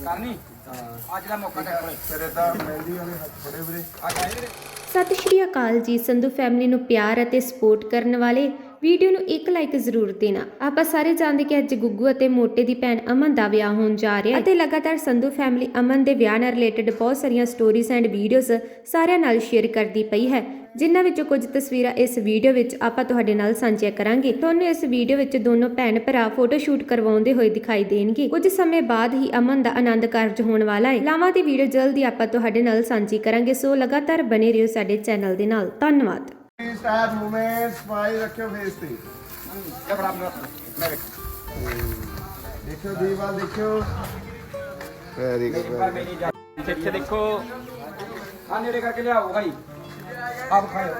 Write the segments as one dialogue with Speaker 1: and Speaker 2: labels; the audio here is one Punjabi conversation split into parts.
Speaker 1: ਕਰਨੀ ਅੱਜ ਦਾ ਮੌਕਾ ਤੇਰੇ ਕੋਲੇ
Speaker 2: ਫਿਰ ਇਦਾਂ ਮਹਿੰਦੀ ਵਾਲੇ ਹੱਥ ਫੜੇ ਵੀਰੇ
Speaker 1: ਅੱਜ ਆਏ ਵੀਰੇ।
Speaker 3: ਸਤਿ ਸ਼੍ਰੀ ਅਕਾਲ ਜੀ। ਸੰਧੂ ਫੈਮਿਲੀ ਨੂੰ ਪਿਆਰ ਅਤੇ ਸਪੋਰਟ ਕਰਨ ਵਾਲੇ ਵੀਡੀਓ ਨੂੰ ਇੱਕ ਲਾਈਕ ਜ਼ਰੂਰ ਦੇਣਾ। ਆਪਾਂ ਸਾਰੇ ਜਾਣਦੇ ਕਿ ਅੱਜ ਗੁੱਗੂ ਅਤੇ ਮੋਟੇ ਦੀ ਭੈਣ ਅਮਨ ਦਾ ਵਿਆਹ ਹੋਣ ਜਾ ਰਿਹਾ ਹੈ ਅਤੇ ਲਗਾਤਾਰ ਸੰਧੂ ਫੈਮਿਲੀ ਅਮਨ ਦੇ ਵਿਆਹ ਨਾਲ ਰਿਲੇਟਡ ਬਹੁਤ ਸਾਰੀਆਂ ਸਟੋਰੀਜ਼ ਐਂਡ ਵੀਡੀਓਜ਼ ਸਾਰਿਆਂ ਨਾਲ ਸ਼ੇਅਰ ਕਰਦੀ ਪਈ ਹੈ, ਜਿਨ੍ਹਾਂ ਵਿੱਚੋਂ ਕੁਝ ਤਸਵੀਰਾਂ ਇਸ ਵੀਡੀਓ ਵਿੱਚ ਆਪਾਂ ਤੁਹਾਡੇ ਨਾਲ ਸਾਂਝੀਆਂ ਕਰਾਂਗੇ। ਤੁਹਾਨੂੰ ਇਸ ਵੀਡੀਓ ਵਿੱਚ ਦੋਨੋਂ ਭੈਣ ਭਰਾ ਫੋਟੋ ਸ਼ੂਟ ਕਰਵਾਉਂਦੇ ਹੋਏ ਦਿਖਾਈ ਦੇਣਗੇ। ਕੁਝ ਸਮੇਂ ਬਾਅਦ ਹੀ ਅਮਨ ਦਾ ਆਨੰਦ ਕਾਰਜ ਹੋਣ ਵਾਲਾ ਹੈ। ਲਾਵਾਂ ਦੀ ਵੀਡੀਓ ਜਲਦੀ ਆਪਾਂ ਤੁਹਾਡੇ ਨਾਲ ਸਾਂਝੀ ਕਰਾਂਗੇ, ਸੋ ਲਗਾਤਾਰ ਬਨੇ ਰਹੋ ਸਾਡੇ ਚੈਨਲ ਦੇ ਨਾਲ। ਧੰਨਵਾਦ।
Speaker 2: ਸਟਾਰ ਮੂਵਮੈਂਟ ਸਮਾਈਲ ਰੱਖਿਓ ਫੇਸ ਤੇ।
Speaker 1: ਲੈ ਬੜਾ ਮੈਂ ਵੇਖ
Speaker 2: ਦੇਖਿਓ ਦੀਵਾਲ ਦੇਖਿਓ। ਵੈਰੀ
Speaker 1: ਇੱਕ ਵਾਰ ਮੇਰੀ ਜਾ ਇੱਥੇ ਦੇਖੋ ਆ ਨੇੜੇ ਕਰਕੇ ਲਿਆਓ ਭਾਈ ਆਪ ਖਾਓ।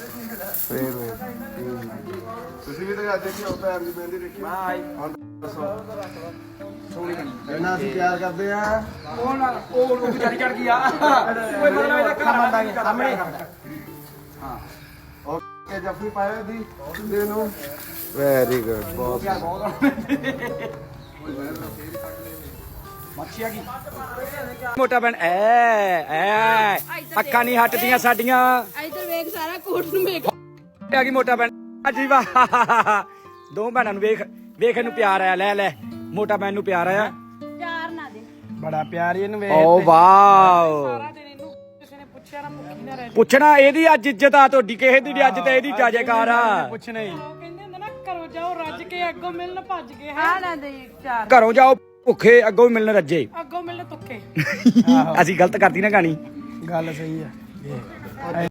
Speaker 2: ਤੁਸੀਂ ਵੀ ਤਾਂ ਅੱਜ ਦੇਖਿਓ ਭੈਣ ਦੀ ਮਹਿੰਦੀ ਦੇਖੀ।
Speaker 1: ਬਾਈ
Speaker 2: ਹੁਣ ਦੱਸੋ
Speaker 1: ਸੋਹਣੀ ਬਣੀ
Speaker 2: ਇਹਨਾਂ ਅਸੀਂ ਪਿਆਰ ਕਰਦੇ ਆ।
Speaker 1: ਉਹ ਵਿਚਾਰੀ ਚੜ ਗਈ ਆ ਕੋਈ ਮਤਲਬ ਇਹਦਾ ਘਰ ਮੰਦਾਂਗੇ ਸਾਹਮਣੇ। ਹਾਂ
Speaker 2: ਓਕੇ ਜੱਫੀ ਪਾਇਓ ਦੀ ਦੇ ਨੂੰ। ਵੈਰੀ ਗੁੱਡ ਬਹੁਤ
Speaker 1: ਪਿਆਰ ਬਹੁਤ ਮੱਛੀਆ ਕੀ ਮੋਟਾ ਬਣ ਐ ਅੱਖਾਂ ਨਹੀਂ ਹਟਦੀਆਂ ਸਾਡੀਆਂ।
Speaker 4: ਇਧਰ ਵੇਖ ਸਾਰਾ ਕੋਟ ਨੂੰ ਵੇਖ
Speaker 1: ਆ ਗਈ ਮੋਟਾ ਬਣ ਜੀ ਵਾਹ ਦੋ ਭੈਣਾਂ ਨੂੰ ਵੇਖ ਵੇਖ ਇਹਨੂੰ ਪਿਆਰ ਆਇਆ। ਲੈ ਲੈ ਮੋਟਾ ਬੈਣ ਨੂੰ ਪਿਆਰ ਆਇਆ।
Speaker 4: ਚਾਰ ਨਾ ਦੇ
Speaker 2: ਬੜਾ ਪਿਆਰ ਇਹਨੂੰ ਵੇਖ।
Speaker 1: ਓ ਵਾਓ
Speaker 4: ਸਾਰਾ ਦਿਨ ਇਹਨੂੰ ਕਿਸੇ ਨੇ ਪੁੱਛਿਆ ਨਾ ਭੁੱਖੀ ਨਾ ਰਹਿ
Speaker 1: ਪੁੱਛਣਾ ਇਹਦੀ ਅੱਜ ਇੱਜ਼ਤ ਆ ਤੁਹਾਡੀ ਕਿਸੇ ਦੀ ਨੀ, ਅੱਜ ਤੇ ਇਹਦੀ ਜਾਜੇਕਾਰ ਆ।
Speaker 2: ਪੁੱਛਣਾ ਹੀ
Speaker 4: ਉਹ ਕਹਿੰਦੇ ਹੁੰਦੇ ਨਾ ਘਰੋਂ ਜਾਓ ਰੱਜ ਕੇ ਅੱਗੋਂ ਮਿਲਣ ਭੱਜ ਕੇ ਹਾਂ ਨਾ ਦੇ ਚਾਰ
Speaker 1: ਘਰੋਂ ਜਾਓ ਭੁੱਖੇ ਅੱਗੋਂ ਵੀ ਮਿਲਣ ਰੱਜੇ।
Speaker 4: ਅੱਗੋਂ ਮਿਲਣ ਤੁੱਕੇ।
Speaker 1: ਅਸੀਂ ਗਲਤ ਕਰਦੀ ਨਾ ਕਹਾਣੀ।
Speaker 2: ਗੱਲ ਸਹੀ ਆ।